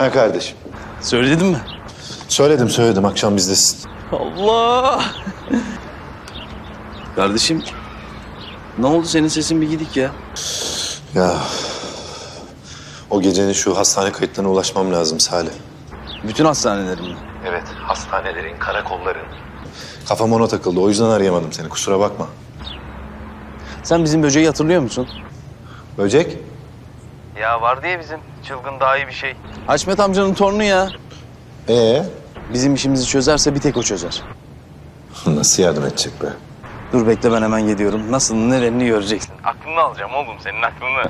Ha kardeşim. Söyledin mi? Söyledim. Akşam bizdesin. Allah! Kardeşim, ne oldu senin sesin bir gidik ya? Ya o gecenin şu hastane kayıtlarına ulaşmam lazım Salih. Bütün hastanelerin mi? Evet, hastanelerin, karakolların. Kafam ona takıldı. O yüzden arayamadım seni. Kusura bakma. Sen bizim böceği hatırlıyor musun? Böcek? Ya var diye bizim çılgın daha iyi bir şey. Haşmet amcanın torunu ya. Bizim işimizi çözerse bir tek o çözer. Nasıl yardım edecek be? Dur bekle ben hemen geliyorum. Nasıl nereni göreceksin. Aklını alacağım oğlum senin aklını.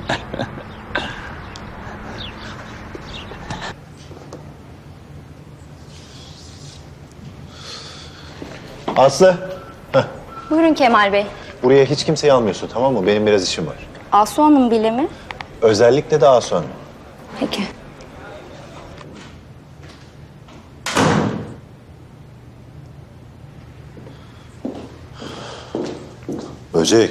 Aslı. Buyurun Kemal Bey. Buraya hiç kimseyi almıyorsun, tamam mı? Benim biraz işim var. Asu Hanım bile mi? Özellikle de Asu Hanım. Peki. Böcek.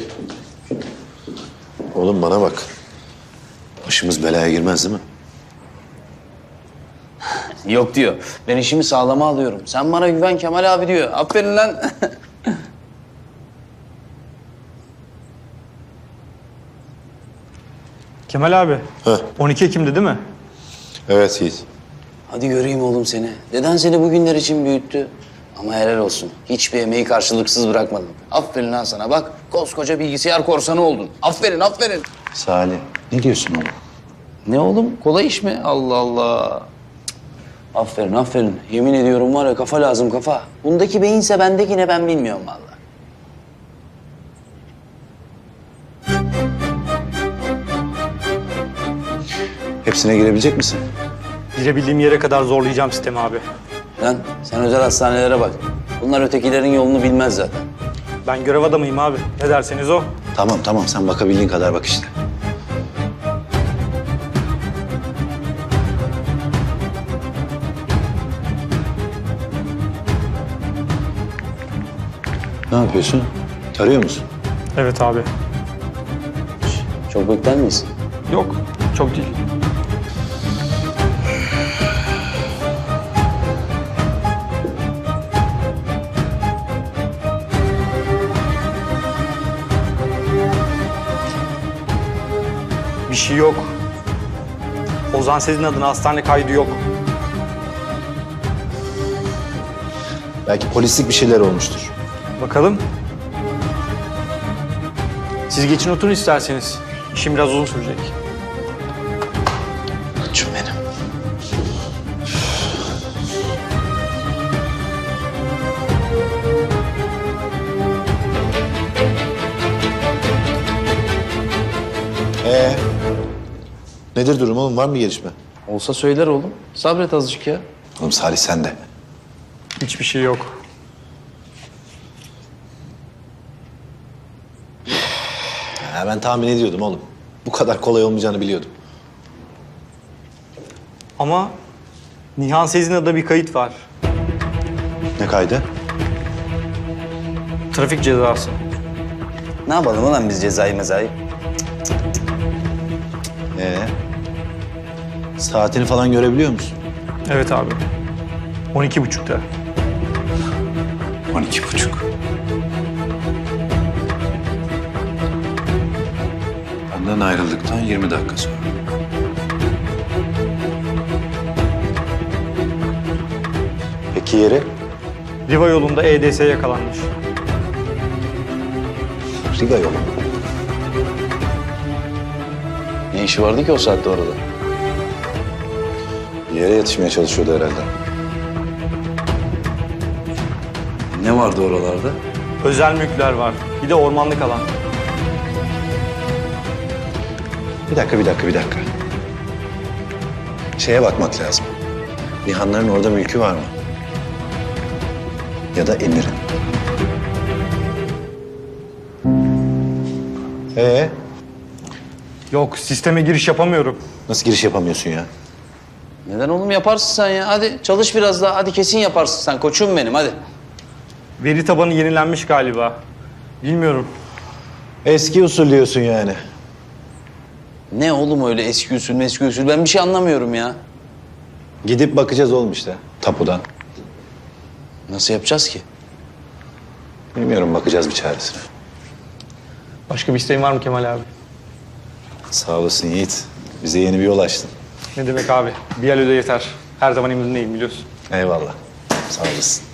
Oğlum bana bak. Başımız belaya girmez değil mi? Yok diyor. Ben işimi sağlama alıyorum. Sen bana güven Kemal abi diyor. Aferin lan. Kemal abi, Heh. 12 Ekim'de değil mi? Evet Yiğit. Hadi göreyim oğlum seni. Deden seni bugünler için büyüttü. Ama helal olsun. Hiçbir emeği karşılıksız bırakmadın. Aferin lan sana. Bak koskoca bilgisayar korsanı oldun. Aferin, aferin. Salih, ne diyorsun oğlum? Ne oğlum? Kolay iş mi? Allah Allah. Cık. Aferin, aferin. Yemin ediyorum var ya kafa lazım kafa. Bundaki beyinse bendeki ne ben bilmiyorum vallahi. Hepsine girebilecek misin? Girebildiğim yere kadar zorlayacağım sistemi abi. Lan sen özel hastanelere bak. Bunlar ötekilerin yolunu bilmez zaten. Ben görev adamıyım abi. Ne derseniz o. Tamam. Sen bakabildiğin kadar bak işte. Ne yapıyorsun? Tarıyor musun? Evet abi. Çok bekler miyiz? Yok, çok değil. Bir şey yok. Ozan Sezin adına hastane kaydı yok. Belki polislik bir şeyler olmuştur. Bakalım. Siz geçin oturun isterseniz. İşim biraz uzun sürecek. Koçum benim. Nedir durum oğlum? Var mı gelişme? Olsa söyler oğlum. Sabret azıcık ya. Oğlum Salih sen de. Hiçbir şey yok. Ha, ben tahmin ediyordum oğlum. Bu kadar kolay olmayacağını biliyordum. Ama Nihan Sezin adına bir kayıt var. Ne kaydı? Trafik cezası. Ne yapalım ulan biz cezayı mezayı? Saatini falan görebiliyor musun? Evet abi. 12.30'da. 12.30. Benden ayrıldıktan 20 dakika sonra. Peki yeri? Riva yolunda EDS yakalanmış. Riga yolu. Ne işi vardı ki o saatte orada? Bir yere yetişmeye çalışıyordu herhalde. Ne vardı oralarda? Özel mülkler var. Bir de ormanlık alan. Bir dakika. Şeye bakmak lazım. Nihanların orada mülkü var mı? Ya da Emir'in. Yok, sisteme giriş yapamıyorum. Nasıl giriş yapamıyorsun ya? Neden oğlum yaparsın sen ya? Hadi çalış biraz daha. Hadi kesin yaparsın sen koçum benim hadi. Veri tabanı yenilenmiş galiba. Bilmiyorum. Eski usul diyorsun yani. Ne oğlum öyle eski usul ben bir şey anlamıyorum ya. Gidip bakacağız oğlum işte tapudan. Nasıl yapacağız ki? Bilmiyorum, bakacağız bir çaresine. Başka bir isteğin var mı Kemal abi? Sağ olasın Yiğit. Bize yeni bir yol açtın. Ne demek abi? Bir el öde yeter. Her zaman emrindeyim biliyorsun. Eyvallah. Sağ olasın.